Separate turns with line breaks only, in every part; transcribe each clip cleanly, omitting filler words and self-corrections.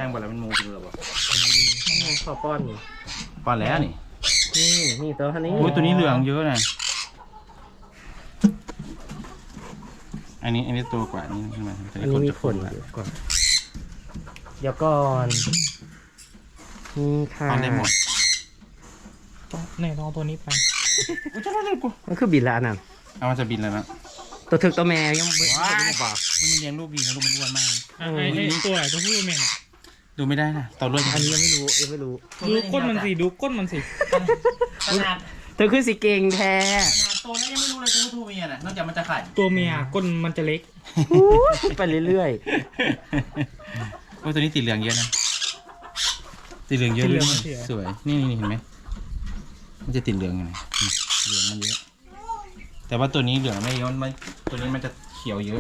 งบ่แล้วมันมูกินหรอบ่
ขอป้อนนี่
ป้อนแล้วนี่
นี่ตัวนี้
โอ้ยตัวนี้เหลืองเยอะนะอันนี้ตัวกว่านี้ใช่ไหม
อันนี้มีขนเยอะกว่าเดี๋ยวก่อนนี่ค่ะ
ป้อนได้หมด
เนี่ยลองตัวนี้ไป
มันคือบินละอันนั้น
เอามันจะบินแล้วนะ
ตัวถึกตัวแม่ยังไม่บอก
มันเลี้ยงลูกดีนะลูกมันอ้วนมากเลย
ไอ้ตัวไหนตัวผู้แม่เนี่ย
ดูไม่ได้นะต่อเลือด
อันนี้ยังไม่รู้
ดูก้นมันสิดูก้นมันสิ
ขนาด
เธอคือสิเก่งแท้
ขนาดตัวแล้วยังไม่รู้เลยตัวผู้เมียน่ะนอกจากมันจะไข่
ตัวเมียก้นมันจะเล็ก
ไปเรื่อย
โอ้ตัวนี้ติดเหลืองเยอะนะติดเหลืองเยอะเลยสวยนี่เห็นไหมมันจะติดเหลืองยังไงเหลืองมันเยอะแต่ว่าตัวนี้เหลืองไม่เยอะมันตัวนี้มันจะเขียวเยอะ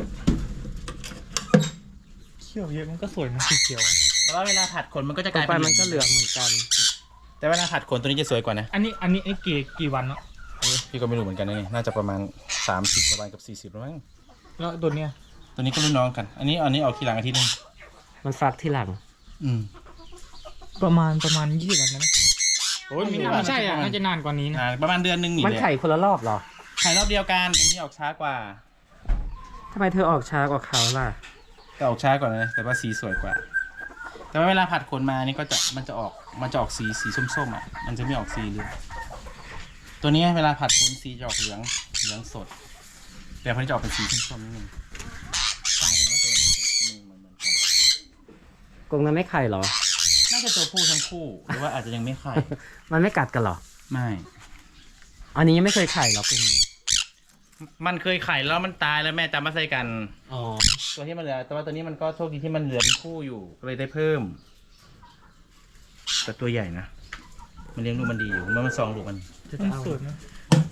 มันก็สวยนะสีเขียว
แต่ว่าเวลาผัดขนมันก็จะกลายเป็น
มันก็เหลืองเหมือนกัน
แต่เวลาผัดขนตัวนี้จะสวยกว่านะ
อันนี้กี่วันเนาะ
พี่ก็ไม่รู้เหมือนกันนะนี่น่าจะประมาณ30ประมาณกับ40แล้วมั้ง
แล้วตัวเนี้ย
ตัวนี้ก็รุ่นน้องกันอันนี้ออกทีหลังอาทิตย์นึง
มันฟักที่หลัง
ประมาณ20 วันนะโอ้ยไม่ใช่อ่ะน่าจะนานกว่านี้นะ
ประมาณเดือนนึงนี่
มันไข่คนละรอบหรอ
ไข่รอบเดียวกันตัวนี้ออกช้ากว่า
ทำไมเธอออกช้ากว่าเขาล่ะ
ก็ออกช้ากว่านะแต่ว่าสีสวยกว่าแต่ว่าเวลาผัดขนมานี่ก็จะมันจะออกสีส้มๆอ่ะมันจะไม่ออกสีเหลืองตัวนี้เวลาผัดขนสีจะออกเหลืองสดแต่พอจะออกเป็นสีส้มๆนิดนึงตายแต่ว่าตัวนี้เหมือนกัน
กรงนั้นไม่ไข่หรอ
น่าจะตัวผู้ทั้งคู่หรือว่าอาจจะยังไม่ไข่
มันไม่กัดกันหรอ
ไม่
อันนี้ยังไม่เคยไข่หรอเป็น
มันเคยไข่แล้วมันตายแล้วแม่จำมาใส่กันตัวที่มันเหลือแต่ว่าตัวนี้มันก็โชคดีที่มันเหลือเป็นคู่อยู่ก็เลยได้เพิ่มแต่ตัวใหญ่นะมันเลี้ยงลูกมันดีอยู่มัน2 ลูกมัน
สวยนะ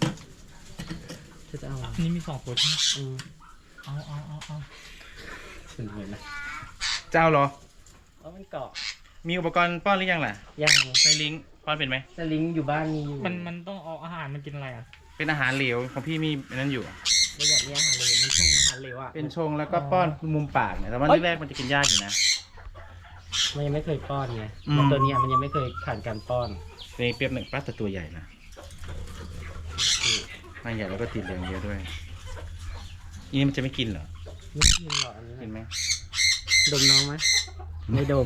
จะเอา
อันนี้มี2 ตัวใช่ไหมเอา
เป็นไงนะ
เจ้าเหรอ
มันเกาะ
มีอุปกรณ์ป้อนหรือยังล่ะ
ยัง
ใส่ลิงป้อนเป็นไหม
ใส่ลิงอยู่บ้านมีอยู่
มันต้องเอาอาหารมันกินอะไรอ่ะ
เป็นอาหารเหลวของพี่มีนั่นอยู่
ไม่อยากมีอาหารเหลวมันชงอาหารเหลวอ่ะ
เป็นชงแล้วก็ป้อนมุมปากเนี่ยแต่ว่าแรกมันจะกินยากอยู่นะ
มันยังไม่เคยป้อนไงตัวนี้มันยังไม่เคยผ่านการป้อน
ในเปรียบหนึ่งป้าแต่ตัวใหญ่นะมันใหญ่แล้วก็ติดเหลืองเยอะด้วยนี่มันจะไม่กินเหรอ
ไม่กินหรอกอันนี้
กินไหม
ดมน้องไหมไม่ดม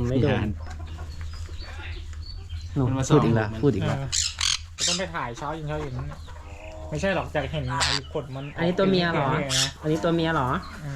หนูพูดอีกแล้ว
ต้องไปถ่ายเช้าเย็นไม่ใช่หรอกจากเห็นไอ้ขดมัน
อันนี้ตัวเมียเหรออันนี้ตัวเมียเหรอ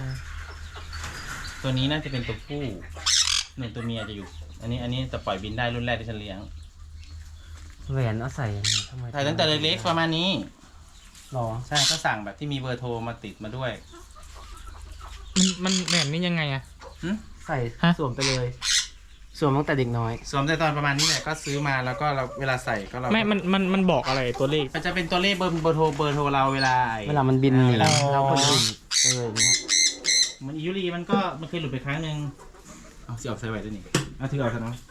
ตัวนี้น่าจะเป็นตัวผู้หนึ่งตัวเมียจะอยู่อันนี้จะปล่อยบินได้รุ่นแรกที่ฉันเลี้ยง
แหวนเอาใส่ยังไงทำไม
ใส่ตั้งแต่เล็กๆประมาณนี้
หรอ
ใช่ก็สั่งแบบที่มีเบอร์โทรมาติดมาด้วย
มันแบบนี้ยังไงอะ
ใส่สวมไปเลยสวมตั้งแต่เด็กน้อย
สวมแต่ตอนประมาณนี้แหละก็ซื้อมาแล้วก็เราเวลาใส่ก็เรา
ไม่มันบอกอะไรตัวเลข
มันจะเป็นตัวเลขเบอร์โทรเราเวลา
มันบินเวลาเราคนอื่นอย่างเงี้ย
มันอิยุรีมันเคยหลุดไปครั้งนึงเอาสิออกใส่ไว้ด้วยนี่เอาถือเอาซะนะ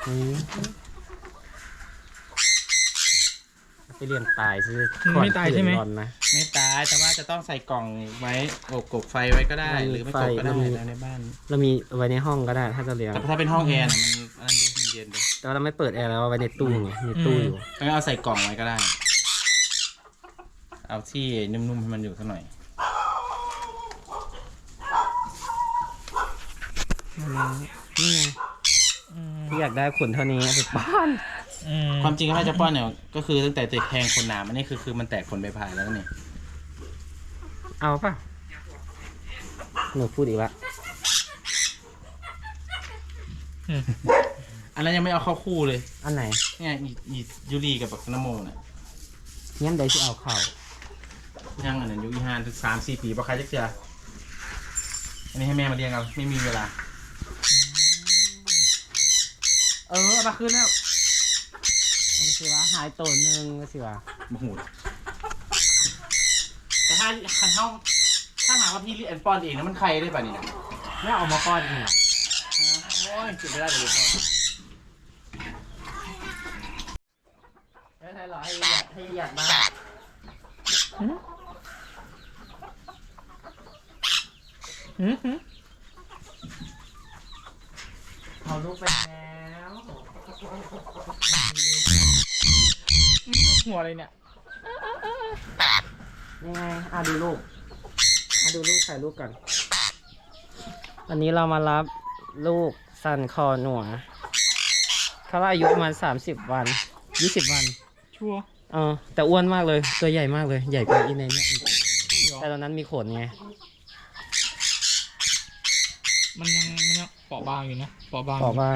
ไปเรียนตายซื้อ
ไม่ตายใช่ไหม
ไม่ตายแต่ว่าจะต้องใส่กล่องไว้กบไฟไว้ก็ได้หรือไม่กบก็ได้ในบ้าน
เรามีไว้ในห้องก็ได้ถ้าจะเลี้ยง
แต่ถ้าเป็นห้องแอร์มันเย็นเลย
แต่เราไม่เปิดแอร์แล้วไว้ในตู้มีตู้อยู่
งั้นเอาใส่กล่องไว้ก็ได้เอาที่นุ่มๆให้มันอยู่สักหน่อย
นี่ไงที่อยากได้ขนเท่านี้ไปป้อน
ความจริงถ้าจะป้อนเนี่ยก็คือตั้งแต่ติดแทงขนหนามอันนี้คือมันแตกขนใบพายแล้วนี่
เอาป่ะหนูพูดอีกละ
อันนั้นยังไม่เอาเข้าคู่เลย
อันไหน
เนี่ยยูรีกับปักนโมเนี่ย
ยังได้ที่เอาเข้า
ยังอันนั้นยุค5 ถึง 3-4 ปีเพราะใครจะเจออันนี้ให้แม่มาเลี้ยงเอาไม่มีเวลา
เอามาคืนแล้วก็สิว่าหายตัวนึงก็สิว่า
มหูแต่ถ้าหากว่าพี่เลี้ยงป้อนเองนะมันใครได้ป่ะนี่นะ
ไม่เอามาป้อนเนี่ย
โอ้ยจุดไม่ได้เลยพ่อ
ให้หรอให้หยัดมาเอาลูกไปแล้ว
หัวอะไรเนี่ย
นี่ไงดูลูกดูลูกถ่ายรูปกันวันนี้เรามารับลูกซันคอหนัวเขาอายุประมาณ30 วัน20 วัน
ชัวร์
แต่อ้วนมากเลยตัวใหญ่มากเลยใหญ่กว่าอีเนเนี่ยแต่ตอนนั้นมีขนไง
มันยังเปราะบางอยู่นะเปราะบาง
บอกว่า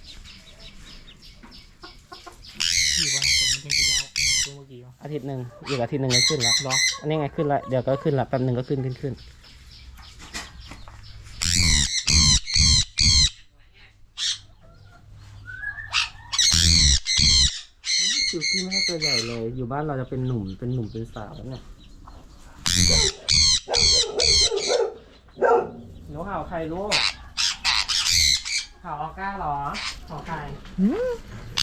อยู่บางคนมันต้องจะยาวเหมือนตัวเมื่อกี้วะ
อาทิตย์หนึ่งอีกอาทิตย์หนึ่งก็ขึ้นแล้ว
เหรอ
อันนี้ไงขึ้นละเดี๋ยวก็ขึ้นละแป๊บหนึ่งก็ขึ้นคิวกี้ไม่ใช่ตัวใหญ่เลย อยู่บ้านเราจะเป็นหนุ่มเป็นสาวแล้วเนี่ยหนูเห่าใครลูกเห่าออก้าเหรอเห่าใคร